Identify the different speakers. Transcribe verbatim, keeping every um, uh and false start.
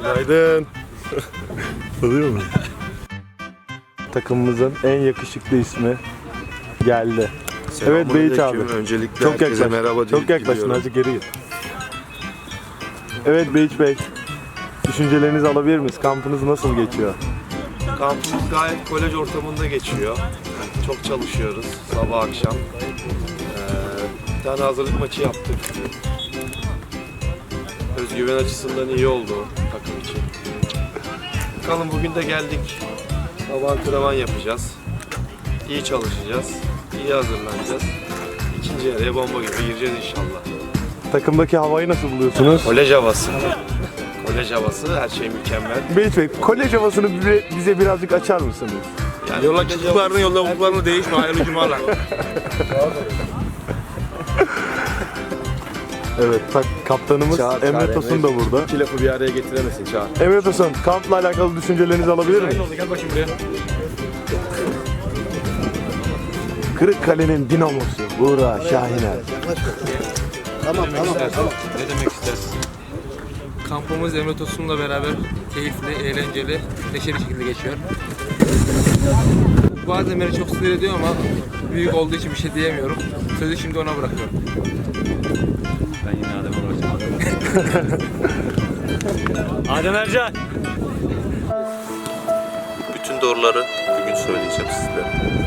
Speaker 1: Günaydın. Oluyor mu? Takımımızın en yakışıklı ismi geldi. Evet Beyiç abi.
Speaker 2: Öncelikle
Speaker 1: Çok
Speaker 2: herkese
Speaker 1: yaklaştın.
Speaker 2: merhaba
Speaker 1: Çok yaklaştın. Azıcık geri git. Evet Beyiç Bey. Düşüncelerinizi alabilir miyiz? Kampınız nasıl geçiyor?
Speaker 2: Kampımız gayet kolej ortamında geçiyor. Yani çok çalışıyoruz sabah akşam. Ee, bir tane hazırlık maçı yaptık. Özgüven açısından iyi oldu takım için. Bakalım bugün de geldik. Sabah antrenman yapacağız. İyi çalışacağız. İyi hazırlanacağız. İkinci yarıya bomba gibi gireceğiz inşallah.
Speaker 1: Takımdaki havayı nasıl buluyorsunuz?
Speaker 2: Kolej havası. Kolej havası her şey mükemmel.
Speaker 1: Beyiç Bey, kolej havasını bize, bize birazcık açar mısınız?
Speaker 2: Yani
Speaker 3: Yola çıktıklarını, yolda bulduklarını değişme. Hayırlı cumalar.
Speaker 1: Evet, tak, kaptanımız
Speaker 2: Çağır,
Speaker 1: Emre
Speaker 2: çağır,
Speaker 1: Tosun da burada.
Speaker 2: İki lafı bir araya getiremezsin Çağır.
Speaker 1: Emre Tosun, kampla alakalı düşüncelerinizi alabilir miyim?
Speaker 3: Gel bakayım buraya.
Speaker 1: Kırıkkale'nin dinamosu Buğra Şahiner.
Speaker 4: Tamam tamam.
Speaker 3: Ne demek istersin? Kampımız Emre Tosun'la beraber keyifli, eğlenceli, neşeli şekilde geçiyor. Bazen beni çok sinir ediyor ama büyük olduğu için bir şey diyemiyorum. Sözü şimdi ona bırakıyorum. Ben yine Adem olacağım.
Speaker 5: Adem Ercan.
Speaker 6: Bütün doğruları bugün söyleyeceğim sizlere.